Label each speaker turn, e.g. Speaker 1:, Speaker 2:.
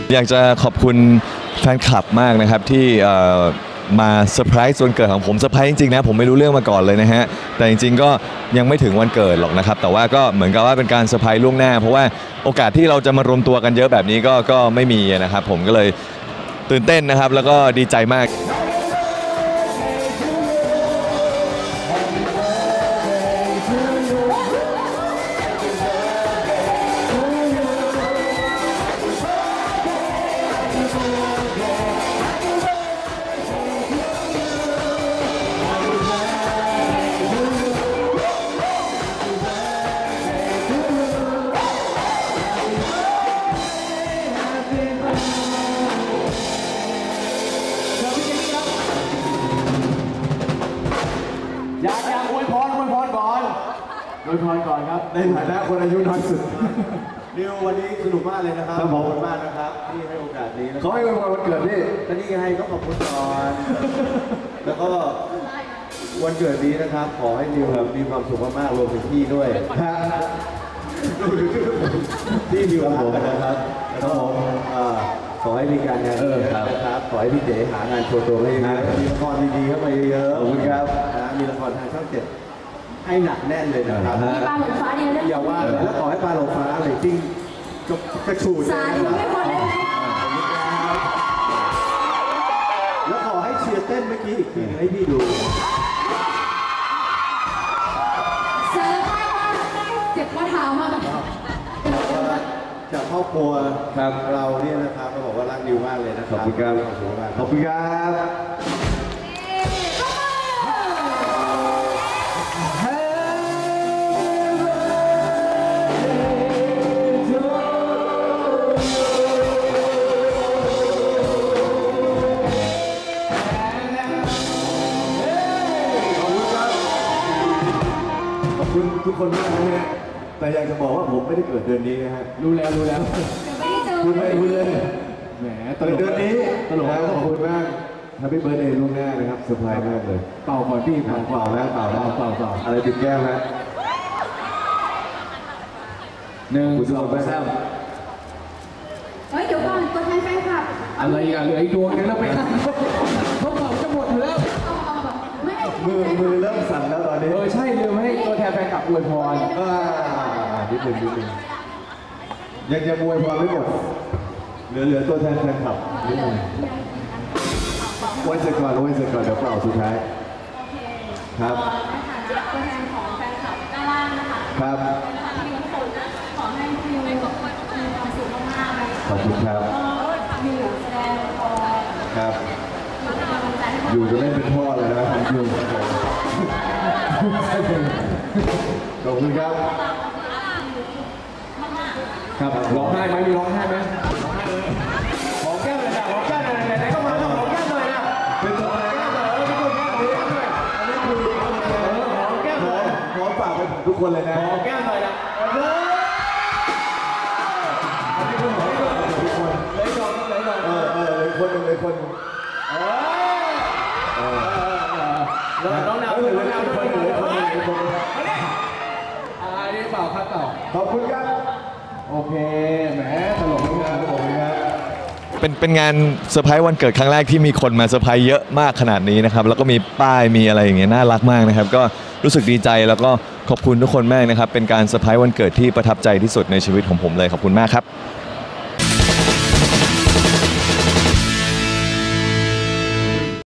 Speaker 1: อยากจะขอบคุณแฟนคลับมากนะครับที่มาเซอร์ไพรส์วันเกิดของผมเซอร์ไพรส์จริงๆนะผมไม่รู้เรื่องมาก่อนเลยนะฮะแต่จริงๆก็ยังไม่ถึงวันเกิดหรอกนะครับแต่ว่าก็เหมือนกับว่าเป็นการเซอร์ไพรส์ล่วงหน้าเพราะว่าโอกาสที่เราจะมารวมตัวกันเยอะแบบนี้ก็ไม่มีนะครับผมก็เลยตื่นเต้นนะครับแล้วก็ดีใจมาก
Speaker 2: อยากอวยพรก่อนอวยพรก่อนครับในฐานะคนอายุน้อยสุดนิววันนี้สนุกมากเลยนะครับขอบคุณมากนะครับที่ให้โอกาสนี้เขาให้อวยพรวันเกิดพี่ก็นี่ไงก็ขอบคุณก่อนแล้วก็วันเกิดนี้นะครับขอให้นิวมีความสุขมากๆรวมถึงพี่ด้วยที่นิวรักกันนะครับแล้วก็ขอให้มีการงานนะครับขอให้พี่เจ๋หางานโชว์ตัวให้ดีมีละครดีๆเข้ามาเยอะๆขอบคุณครับมีละครทางช่อง7ให้หนักแน่นเลยนะครับ
Speaker 3: มีปลาหลงฟ้าเนี่ย
Speaker 2: อย่าว่าแล้วขอให้ปลาหลงฟ้าเลยจริงกระชูด
Speaker 3: สาธุไม่พอเลย
Speaker 2: แล้วขอให้เชียร์เต้นเมื่อกี้อีกทีให้พี่ดู
Speaker 3: เซอร์ไพรส์มากเจ็บข้อเท้ามาก
Speaker 2: จากครอบครัวเราเนี่ยนะครับเราบอกว่ารักนิวมากเลยนะครับขอบคุณครับขอบคุณครับทุกคนมากนะฮะแต่อยากจะบอกว่าผมไม่ได้เกิดเดือนนี้นะฮะรู้แล้วคุณไม่รู้เลยแหมเดือนนี้ตลกขอบคุณมากแฮปปี้เบิร์ธเดย์ล่วงหน้านะครับเซอร์ไพรส์มากเลยเป่าก่อนพี่เป่าแล้วอะไรติดแก้มฮะ1 2 3
Speaker 3: เฮ้ยเดี๋ยวก่อนตัวแทนแฟนคลับ
Speaker 2: อะไรอ่ะเหลืออีกดวงนึงแล้วไปเขาเป่าจะหมดอยู่แล้วมือเริ่มสั่นแล้วตอนนี้ใช่ลืมให้ตัวแทนแฟนคลับอวยพรนิดนึงยังอวยพรไม่หมดเหลือตัวแทนแฟนคลับนิดนึงวันเสร็จก่อนเดี๋ยวเป่าสุดท้ายครับ
Speaker 3: ตัวแทนของแฟนคลับด้านล่างนะคะ
Speaker 2: ครับ
Speaker 3: ที่ทุกคนขอให้คิวมีความสุขมากๆเลย
Speaker 2: ขอบคุณครับ
Speaker 3: อยู่แสดงละคร
Speaker 2: ครับอยู่จะไม่เป็นพ่อเลยนะอยู่ขอบคุณครับครับร้องไห้ไหมมีร้องไห้ไหมขอแก้มเลยนะขอแก้มเลยไหนก็มาขอแก้มเลยนะเป็นตัวอะไรแก้มเลยเป็นตัวแก้มเลยอันนี้คือขอแก้มเลยขอฝากไปทุกคนเลยนะขอแก้มเลยนะอันนี้คือขอแก้มทุกคนเลยก่อนเลยคนแล้วน้องนาวเลยคนอันนี้เปล่าครับต่อขอบคุณครับโอเคแหมตลกมากขอบคุณครับ
Speaker 1: เป็นงานเซอร์ไพรส์วันเกิดครั้งแรกที่มีคนมาเซอร์ไพรส์เยอะมากขนาดนี้นะครับแล้วก็มีป้ายมีอะไรอย่างเงี้ยน่ารักมากนะครับก็รู้สึกดีใจแล้วก็ขอบคุณทุกคนมากนะครับเป็นการเซอร์ไพรส์วันเกิดที่ประทับใจที่สุดในชีวิตของผมเลยขอบคุณมากครับ